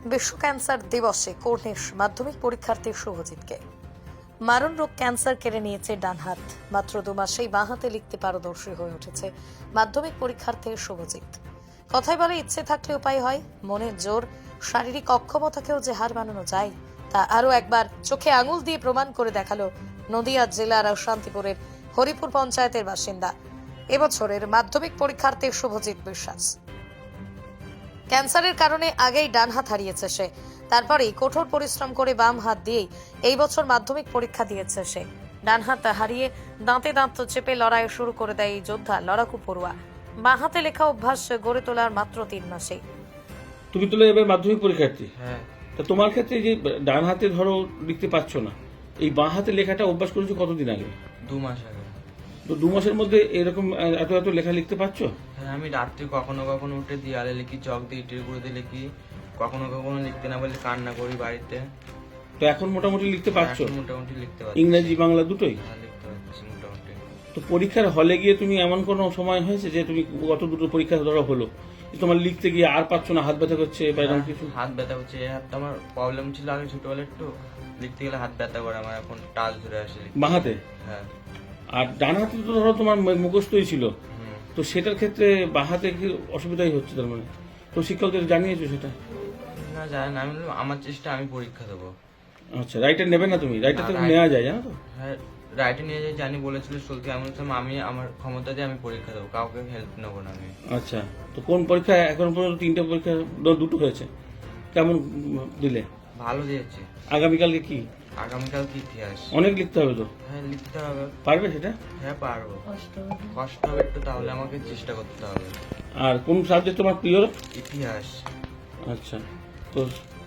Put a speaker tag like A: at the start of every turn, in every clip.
A: বিশ্ব ক্যান্সার দিবসে কর্নিশ মাধ্যমিক পরীক্ষার্থী শুভজিৎকে মারণ রোগ ক্যান্সার কেড়ে নিয়েছে ডান হাত। মাত্র 2 মাসেই বাঁ হাতে লিখতে পারদর্শী হয়ে উঠেছে মাধ্যমিক পরীক্ষার্থী শুভজিৎ। কথায় বলে, ইচ্ছে থাকলে উপায় হয়। মনের জোর, শারীরিক অক্ষমতাকেও যে হার মানানো যায় তা আরও একবার চোখে আঙুল দিয়ে প্রমাণ করে দেখালো নদিয়া জেলার শান্তিপুরের হরিপুর পঞ্চায়েতের বাসিন্দা এবছরের মাধ্যমিক পরীক্ষার্থী শুভজিৎ বিশ্বাস। ক্যান্সারের কারণে আগেই ডান হাত হারিয়েছে সে, তারপরেই কঠোর পরিশ্রম করে বাম হাত দিয়েই এই বছর মাধ্যমিক পরীক্ষা দিয়েছে সে। ডান হাত হারিয়ে দাঁতে দাঁত চেপে লড়াই শুরু করে দেয় এই যোদ্ধা লড়াকু পড়ুয়া। বাঁ হাতে লেখা অভ্যাস গড়ে তোলার মাত্র 3 মাসে।
B: তুমি তো এবার মাধ্যমিক পরীক্ষার্থী।
C: হ্যাঁ,
B: তা তোমার ক্ষেত্রে যে ডান হাতে ধরো লিখতে পারছো না, এই বাঁ হাতে লেখাটা অভ্যাস করেছো কতদিন আগে?
C: 2 মাস আগে।
B: তো 2 মাসের মধ্যে এরকম এত এত লেখা লিখতে পারছো?
C: হ্যাঁ, আমি রাত্রে কখনো কখনো উঠে দেয়ালে লিখি, চক দিয়ে ইটের গুঁড়োতে লিখি, কখনো কখনো লিখতে না বলে কান্না করি বাড়িতে।
B: তো এখন মোটামুটি লিখতে পারছো?
C: এখন মোটামুটি লিখতে পারছি।
B: ইংরেজি বাংলা দুটোই?
C: হ্যাঁ, লিখতে পারছি মোটামুটি।
B: তো পরীক্ষার হলে গিয়ে তুমি এমন কোনো সময় হয়েছে যে তুমি গত দুটো পরীক্ষা ধরো হলো, যে তোমার লিখতে গিয়ে আর পারছো না, হাত ব্যথা করছে বা এরকম কিছু?
C: হাত ব্যথা হচ্ছে, এই হাতটা আমার প্রবলেম ছিল আগে ছোটবেলা, একটু লিখতে গেলে হাত ব্যথা করে আমার, এখন টাচ ধরে আসে লিখতে।
B: বাঁ হাতে?
C: হ্যাঁ।
B: আর ডান হাতে তো ধরো তোমার মুখস্থই ছিল,
C: হুম।
B: তো সেটার ক্ষেত্রে বাঁ হাতে কি অসুবিধাই হচ্ছে তার মানে? তো শিক্ষকদের জানিয়েছো সেটা?
C: না, জানি না, আমি বললাম আমার চেষ্টা, আমি পরীক্ষা দেবো।
B: আচ্ছা, রাইটার নেবে না তুমি? রাইটার
C: না,
B: তো
C: right-
B: নেওয়া যায়, জানো তো?
C: হ্যাঁ, রাইটে নিয়ে যাই জানি, বলেছিল চলতে। আমি বলছিলাম আমি আমার ক্ষমতা দিয়ে আমি পরীক্ষা দেবো, কাউকে হেল্প নেবো না আমি।
B: আচ্ছা, তো কোন পরীক্ষা এখন পর্যন্ত? 3টে পরীক্ষা, দুটো হয়েছে, কেমন দিলে?
C: ভালো দিয়েছি।
B: আগামীকালকে কি?
C: আগামীকাল কি ইতিহাস।
B: অনেক লিখতে হবে তো,
C: হ্যাঁ, লিখতে হবে।
B: পারবে সেটা?
C: হ্যাঁ, পারবো। কষ্ট হবে একটু, তাহলে আমাকে চেষ্টা করতে হবে।
B: আর কোন সাবজেক্ট তোমার প্রিয়?
C: ইতিহাস।
B: আচ্ছা, তো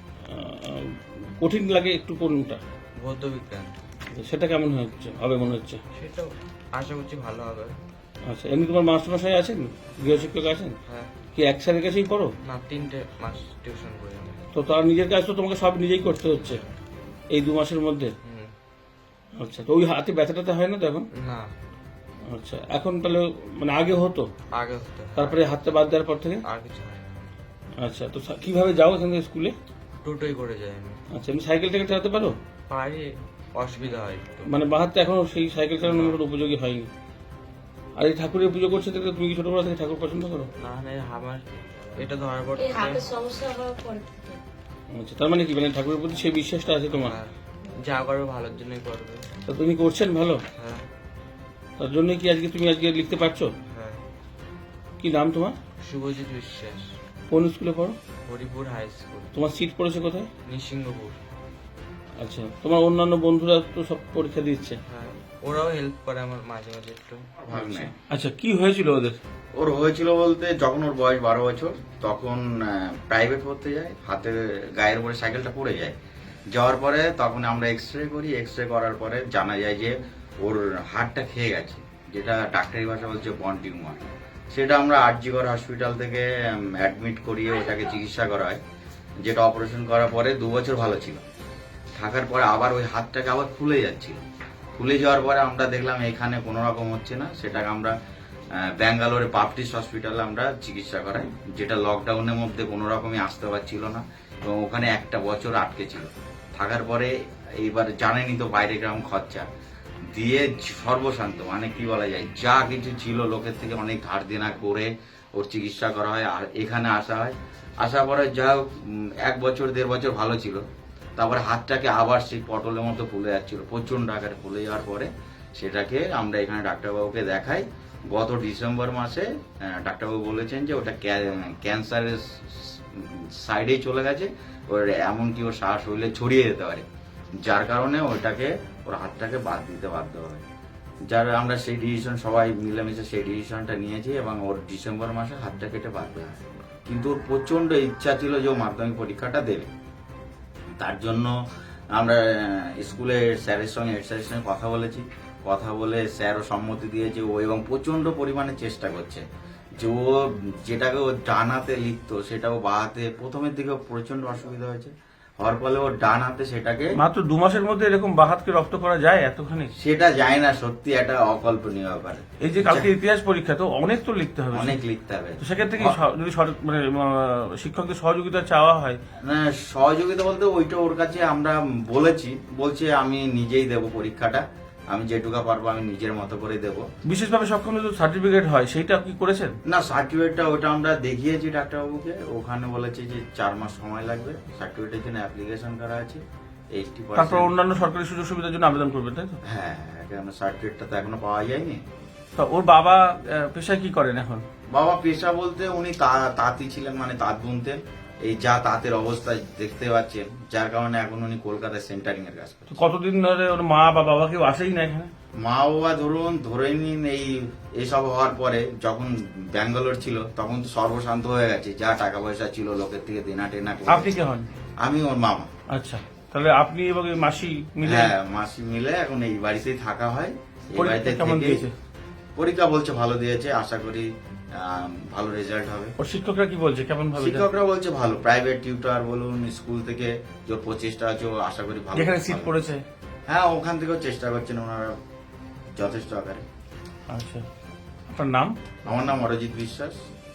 B: কঠিন লাগে একটু কোনটা?
C: ভৌত বিজ্ঞান।
B: তো সেটা কেমন হচ্ছে, হবে মনে হচ্ছে?
C: সেটাও আশা করছি ভালো হবে।
B: আচ্ছা, এমনি তোমার মাস্টারমশাই আছেন, গৃহশিক্ষক আছেন?
C: হ্যাঁ।
B: কি এক স্যারের কাছেই পড়ো?
C: না, 3টে মাস টিউশন করি আমি।
B: তো তার নিজের কাজ তো তোমাকে সব নিজেই করতে হচ্ছে এই 2 মাসের মধ্যে?
C: হুম।
B: আচ্ছা, তো ওই হাতে ব্যথাটাতে হয় না তো এখন?
C: না,
B: আচ্ছা, এখন তাহলে মানে আগে হতো,
C: আগে হতো।
B: তারপরে হাতটা বাদ দেওয়ার পর থেকে?
C: আর কিছু হয় না।
B: আচ্ছা, তো কিভাবে যাও এখান থেকে স্কুলে?
C: টোটোই করে যাই আমি।
B: আচ্ছা, এমনি সাইকেল টাইকেল চালাতে পারো?
C: পারি, অসুবিধা হয় একটু।
B: মানে বাহাতে এখনো সেই সাইকেল চালানোর মতো উপযোগী হয়নি। আর এই ঠাকুরের পুজো করছে দেখলে তুমি কি ছোটবেলা থেকে ঠাকুর পছন্দ করো?
C: না, না, আমার এটা ধরার পর
D: এই
C: থেকে-
D: হাতের সমস্যা হওয়ার পর থেকে।
B: আচ্ছা, তার মানে কি, মানে ঠাকুরের প্রতি সেই বিশ্বাসটা আছে তোমার?
C: হ্যাঁ, যা করবে ভালোর জন্যই করবে।
B: তা তুমি করছেন ভালো,
C: হ্যাঁ।
B: তার জন্য কি আজকে তুমি লিখতে পারছো?
C: হ্যাঁ।
B: কি নাম তোমার?
C: শুভজিৎ বিশ্বাস।
B: কোন স্কুলে পড়ো?
C: হরিপুর হাই স্কুল,
B: তোমার সিট পড়েছে কোথায়?
C: নিসিংহপুর।
B: আচ্ছা, তোমার অন্যান্য বন্ধুরা তো সব পরীক্ষা দিচ্ছে?
C: হ্যাঁ, ওরাও হেল্প করে আমার মাঝে মাঝে একটু।
E: ভাগ্নে।
B: আচ্ছা, কি হয়েছিল ওদের?
E: ওর হয়েছিল বলতে, যখন ওর বয়স 12 বছর, তখন প্রাইভেট পড়তে যায়, হাতে গায়ের উপরে সাইকেলটা পড়ে যায়। যাওয়ার পরে তখন আমরা এক্সরে করি, এক্সরে করার পরে জানা যায় যে ওর হাড়টা খেয়ে গেছে, যেটা ডাক্তারি ভাষা বলছে বন টিউমার। সেটা আমরা আরজিকর হসপিটাল থেকে অ্যাডমিট করিয়ে ওটাকে চিকিৎসা করা হয়, যেটা অপারেশন করার পরে 2 বছর ভালো ছিল। থাকার পরে আবার ওই হাতটাকে আবার ফুলে যাচ্ছিল। ফুলে যাওয়ার পরে আমরা দেখলাম এখানে কোনো রকম হচ্ছে না, সেটাকে আমরা ব্যাঙ্গালোরে বাপটিস্ট হসপিটালে আমরা চিকিৎসা করাই, যেটা লকডাউনের মধ্যে কোনো রকমই আসতে পারছিল না, এবং ওখানে 1 বছর আটকে ছিল। থাকার পরে এইবার জানেনি তো বাইরে গ্রাম খরচা দিয়ে সর্বশান্ত, মানে কি বলা যায়, যা কিছু ছিল লোকের থেকে অনেক ধার দেনা করে ওর চিকিৎসা করা হয়, আর এখানে আসা হয়। আসার পরে যা 1 বছর 1.5 বছর ভালো ছিল, তারপরে হাতটাকে আবার সেই পটলের মতো ফুলে যাচ্ছিল, প্রচণ্ড আকারে ফুলে যাওয়ার পরে সেটাকে আমরা এখানে ডাক্তারবাবুকে দেখাই। গত ডিসেম্বর মাসে ডাক্তারবাবু বলেছেন যে ওটা ক্যান্সারের সাইডেই চলে গেছে, ওর এমনকি ওর শ্বাস হইলে ছড়িয়ে যেতে পারে, যার কারণে ওটাকে ওর হাতটাকে বাদ দিতে বাধ্য হয়। যার আমরা সেই ডিসিশন সবাই মিলেমিশে সেই ডিসিশনটা নিয়েছি, এবং ওর ডিসেম্বর মাসে হাতটা কেটে বাদ দেওয়া হয়। কিন্তু ওর প্রচণ্ড ইচ্ছা ছিল যে ও মাধ্যমিক পরীক্ষাটা দেবে। তার জন্য আমরা স্কুলের স্যারের সঙ্গে, হেড স্যারের সঙ্গে কথা বলেছি। কথা বলে স্যারও সম্মতি দিয়েছে, ও এবং প্রচণ্ড পরিমাণে চেষ্টা করছে যে ও যেটাকে ও ডান হাতে লিখতো সেটা ও বাঁ হাতে, প্রথমের দিকে প্রচণ্ড অসুবিধা হয়েছে, হওয়ার ফলে ওর ডান হাতে সেটাকে
B: মাত্র 2 মাসের মধ্যে এরকম বাঁ হাতকে রপ্ত করা যায় এতখানি?
E: সেটা যায় না, সত্যি একটা অকল্পনীয় ব্যাপার।
B: এই যে কালকে ইতিহাস পরীক্ষা, তো অনেক তো লিখতে হবে,
E: অনেক লিখতে হবে।
B: তো সেক্ষেত্রে কি যদি মানে শিক্ষকদের সহযোগিতা চাওয়া হয়?
E: না, সহযোগিতা বলতে ওইটা ওর কাছে আমরা বলছে আমি নিজেই দেব পরীক্ষাটা, আমি যেটুকু পারবো আমি নিজের মতো করে দেব।
B: বিশেষভাবে সক্ষম তো সার্টিফিকেট হয়, সেইটা কি করেছেন?
E: না, সার্টিফিকেটটা ওটা আমরা দেখিয়েছি ডাক্তারবাবুকে, ওখানে বলেছে যে 4 মাস সময় লাগবে, সার্টিফিকেটের জন্য অ্যাপ্লিকেশন করা আছে 80%।
B: তারপর অন্যান্য সরকারি সুযোগ সুবিধার জন্য আবেদন করবেন, তাই তো?
E: হ্যাঁ, কেন সার্টিফিকেটটা তো এখনো পাওয়া যায়নি।
B: তা ওর বাবা পেশায় কি করেন এখন?
E: বাবা পেশা বলতে উনি তাঁতি ছিলেন, মানে তাঁত বুনতেন। এই যা তাঁতের অবস্থা দেখতে পাচ্ছেন, যার কারণে এখন উনি কলকাতায় সেন্টারিং এর কাজ
B: তো
E: করেন।
B: কতদিন ধরে ওর মা বা বাবা কেউ আসেই না এখানে?
E: মা বাবা ধরে নিন এইসব হওয়ার পরে যখন ব্যাঙ্গালোর ছিল তখন তো সর্বশান্ত হয়ে গেছে, যা টাকা পয়সা ছিল লোকের থেকে দেনা টেনা করে।
B: আপনি কে হন?
E: আমি ওর মামা।
B: আচ্ছা, তাহলে আপনি এবং এই মাসি মিলে?
E: হ্যাঁ, মাসি মিলে এখন এই বাড়িতেই থাকা হয়। এই
B: পরীক্ষা
E: বাড়িতে
B: কেমন
E: থেকে
B: দিয়েছে?
E: পরীক্ষা বলছে ভালো দিয়েছে, আশা করি ভালো রেজাল্ট হবে।
B: ওর শিক্ষকরা কি বলছে, কেমন ভাবে?
E: শিক্ষকরা বলছে ভালো, প্রাইভেট টিউটর বলুন, স্কুল থেকে যে প্রচেষ্টা আছে ও আশা করি ভালো।
B: যেখানে সিট পড়েছে?
E: হ্যাঁ, ওখান থেকেও চেষ্টা করছেন ওনারা যথেষ্ট আকারে।
B: আচ্ছা, আপনার নাম?
E: আমার নাম অরিজিৎ বিশ্বাস।